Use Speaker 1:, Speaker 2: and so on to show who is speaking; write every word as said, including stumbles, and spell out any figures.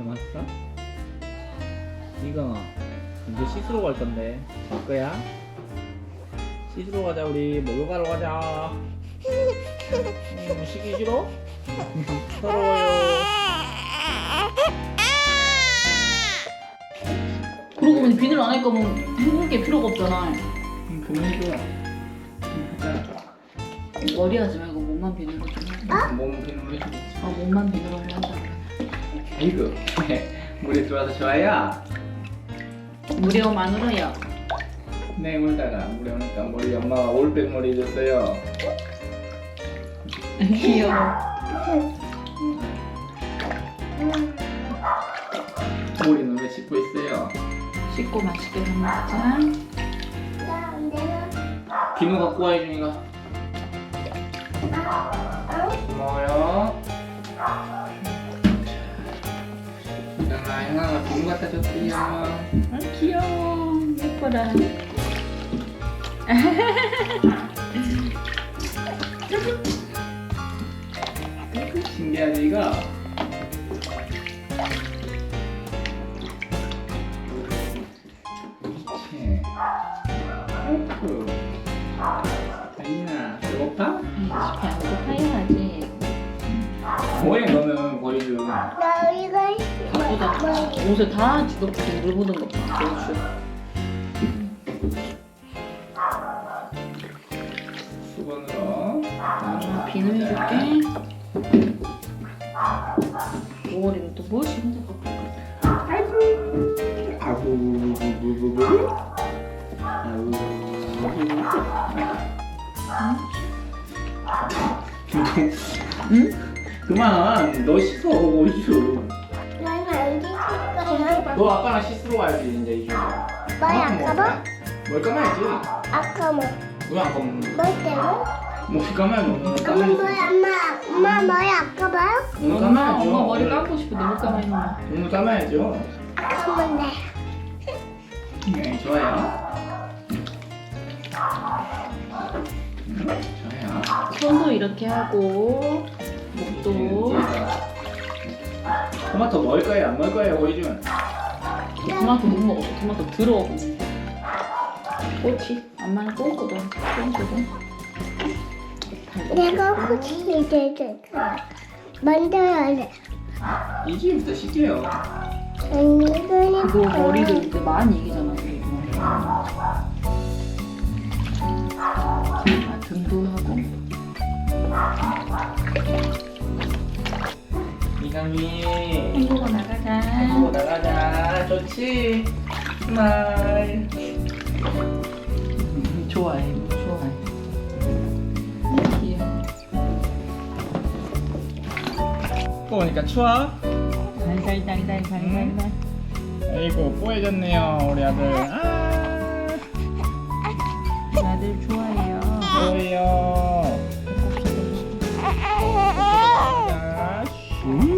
Speaker 1: 담았어? 이거 이제 씻으러 갈 건데 갈 거야? 씻으러 가자. 우리 목욕하러 가자. 음, 씻기 싫어? 서러워요.
Speaker 2: 그러고 보니 비늘 안 할 거면 헹굴 게 필요가 없잖아.
Speaker 1: 음, 그만해줘. 음, 하자.
Speaker 2: 머리 하지 말고 몸만 비늘로 좀 하자.
Speaker 1: 몸 비누로 해주겠지.
Speaker 2: 아 몸만 비늘로 하자.
Speaker 1: 아이고 물에 들어와서 좋아요?
Speaker 2: 물이 오면 안 울어요.
Speaker 1: 네, 울다가 물에 오니까 머리 엄마가 올백 머리 해줬어요.
Speaker 2: 귀여워.
Speaker 1: 머리는 왜 씻고 있어요?
Speaker 2: 씻고 맛있게 밥 먹자.
Speaker 1: 비누 갖고 와, 유준이가. 고마워요. 유준아, 형아가 비누 갖다 줬어요.
Speaker 2: 아 귀여워. 예뻐라.
Speaker 1: 신기하지, 이거? 그렇지. 아이고. 아니나, 배고파?
Speaker 2: 배안 고파야지.
Speaker 1: 뭐해, 너는 거의 좀.
Speaker 3: 나 이거
Speaker 2: 바쁘다. 옷을 다 지겹게 물 묻은 것 봐. 그렇지.
Speaker 1: 수건으로.
Speaker 2: 아, 비누 해줄게. 오월이면 또 무엇이 힘들까?
Speaker 1: 아이고, 부부부부부. 아우.
Speaker 2: 응?
Speaker 1: 그만, 너 씻어, 이주.
Speaker 3: 난 어디 있을까요?
Speaker 1: 너 아빠랑 씻으러 가야지, 이제 이주.
Speaker 3: 머리 안 감아?
Speaker 1: 뭘 감아야지.
Speaker 3: 아까 뭐
Speaker 1: 왜 안 감는?
Speaker 3: 뭐 때문에?
Speaker 1: 뭐 감아야지, 오늘
Speaker 3: 엄마
Speaker 1: 감아야지.
Speaker 3: 머리 엄마 엄마 머리 안 감아요?
Speaker 1: 오늘
Speaker 2: 엄마,
Speaker 1: 감아야죠.
Speaker 2: 엄마 머리 감고 싶어. 너무 감아있나?
Speaker 1: 오늘 감아야죠.
Speaker 3: 감으면 돼.
Speaker 1: 네, 좋아요. 음, 좋아요.
Speaker 2: 손도 이렇게 하고 목도
Speaker 1: 토마토 먹을 거예요? 안 먹을 거예요, 호이준?
Speaker 2: 토마토 못 먹어. 토마토 더러워. 꼬치 엄마는 꼬거든. 꼬거든.
Speaker 3: 내가 코치 이제 만들어야 돼.
Speaker 1: 이제부터 씻게요.
Speaker 3: 아니 이거는
Speaker 2: 그거 머리를 이제 많이 얘기잖아. 그리고. 아, 등도 하고.
Speaker 1: 이강이.
Speaker 2: 헹구고 나가자.
Speaker 1: 어, 나가자. 좋지? 스마일.
Speaker 2: 음, 좋아해. 좋아해. 귀여워.
Speaker 1: 보니까 추워?
Speaker 2: 달달달달달달달.
Speaker 1: 아이고, 뽀해졌네요, 우리 아들. 아,
Speaker 2: 아들 좋아해요.
Speaker 1: 뭐예요? 자, 슈.